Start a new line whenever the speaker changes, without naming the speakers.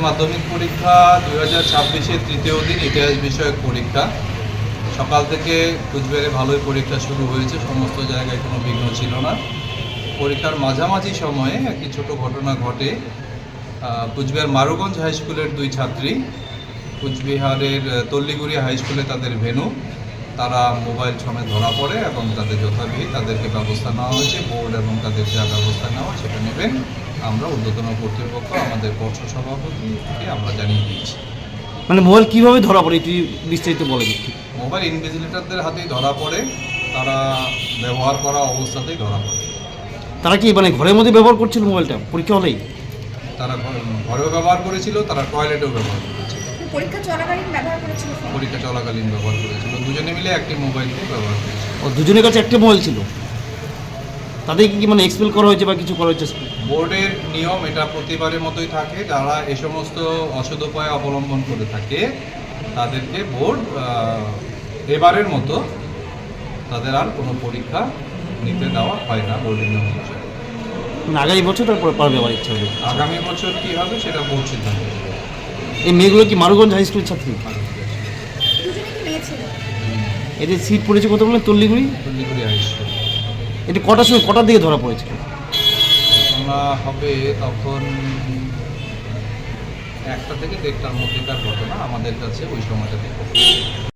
মাধ্যমিক পরীক্ষা 2026-এর তৃতীয় দিন ইতিহাস বিষয়ক পরীক্ষা। সকাল থেকে কুচবিহারে ভালোই পরীক্ষা শুরু হয়েছে, সমস্ত জায়গায় কোনো বিঘ্ন ছিল না। পরীক্ষার মাঝামাঝি সময়ে একটি ছোট ঘটনা ঘটে। কুচবিহার মারুগঞ্জ হাই স্কুলের দুই ছাত্রী কুচবিহারের তল্লিগুড়ি হাই স্কুলে তাদের ভেন্যু, তারা মোবাইল সমেত ধরা পড়ে এবং তাদের যথাবিহিত তাদেরকে ব্যবস্থা নেওয়া হয়েছে। বোর্ড এবং তাদের যা ব্যবস্থা নেওয়া সেটা নেবেন। আমরা ঊর্ধ্বতন কর্তৃপক্ষ আমাদের পর্ষদ সভাপতিকে আমরা জানিয়ে দিয়েছি।
মানে মোবাইল কীভাবে ধরা পড়ে এটি বিস্তারিত বলে দিচ্ছি।
মোবাইল ইনভিজিলেটরদের হাতেই ধরা পড়ে, তারা ব্যবহার করা অবস্থাতেই ধরা পড়ে।
তারা কি মানে ঘরের মধ্যে ব্যবহার করছিল মোবাইলটা পরীক্ষা হলেই?
তারা ঘরেও ব্যবহার করেছিল, তারা টয়লেটেও ব্যবহার করেছিল।
পরীক্ষা চলাকালীন ব্যবহার করেছিল?
পরীক্ষা চলাকালীন ব্যবহার করেছিল। দুজনে মিলে একটি মোবাইলকে ব্যবহার করেছিল।
ও দুজনের কাছে একটা মোবাইল ছিল। তাদেরকে কি মানে এক্সপেল করা হয়েছে বা কিছু করা হয়েছে?
বোর্ডের নিয়ম এটা প্রতিবারের মতোই থাকে, যারা এ সমস্ত অসৎ উপায় অবলম্বন করে থাকে তাদেরকে বোর্ড এবারের মতো তাদের আর কোনো পরীক্ষা নিতে দেওয়া হয় না বোর্ডের নিয়ম অনুসারে।
আগামী বছর তারপরে পারবে আমার ইচ্ছা হবে।
আগামী বছর কী হবে সেটা বোর্ড সিদ্ধান্ত নেবে।
এই মেয়েগুলো কি মারুগঞ্জ হাই স্কুলের ছাত্রী?
দুজনে কি মেয়ে ছিল?
এদের সিট পড়েছে কত বললেন? Talliguri
high school.
এটা কটার সময় কটার দিকে ধরা পড়েছিল?
ঘটনা হবে তখন 1টা থেকে 1:30টার মধ্যেকার ঘটনা, আমাদের কাছে ওই সময়টা থেকে।